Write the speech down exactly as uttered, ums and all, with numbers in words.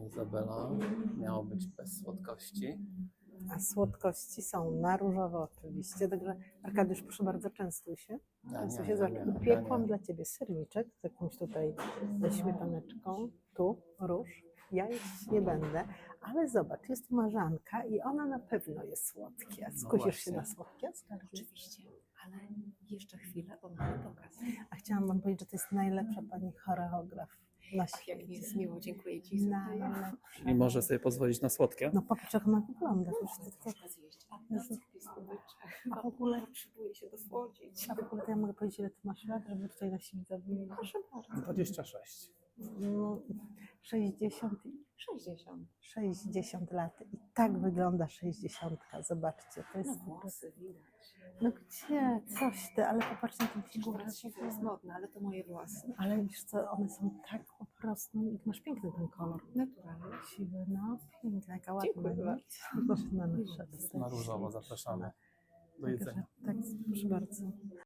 Izabela. Miało być bez słodkości. A słodkości są na różowo oczywiście. Także Arkadiusz, proszę bardzo, częstuj się. Ja Częstuj nie, się. ja Zobacz, nie, ja upiekłam nie. dla Ciebie serniczek z jakąś tutaj ze śmietaneczką. Tu róż. Ja jeść nie będę, ale zobacz, jest marzanka i ona na pewno jest słodkie. Skusisz się właśnie. na słodkie? Skarży? Oczywiście, ale jeszcze chwilę, bo mamy pokaz. A chciałam Wam powiedzieć, że to jest najlepsza pani choreograf na Ach, jak mi jest świecie. miło, dziękuję Ci. Izabela. Najlepsza. I może sobie pozwolić na słodkie? No popatrz, jak ona wygląda. Wiesz, to, to, Troszkę zjeść. A Jezu. placek piskowycze. A Chyba w ogóle- potrzebuję się dosłodzić. a w ogóle to ja mogę powiedzieć, ile Ty masz lat, żeby tutaj nasi widzowie... Proszę bardzo. dwadzieścia sześć. No, sześćdziesiąt, sześćdziesiąt. sześćdziesiąt lat i tak wygląda sześćdziesiątka. Zobaczcie, to jest... No włosy widać. No gdzie? Coś ty, ale popatrz na tę figurę. Teraz siwy jest modne, ale to moje włosy. Ale wiesz co, one są tak po prostu... Masz piękny ten kolor. Naturalnie. Siwy, no piękna, jaka ładna. Dziękuję nie? bardzo. Proszę na nasze. Na różowo zapraszamy do jedzenia. Tak, proszę bardzo.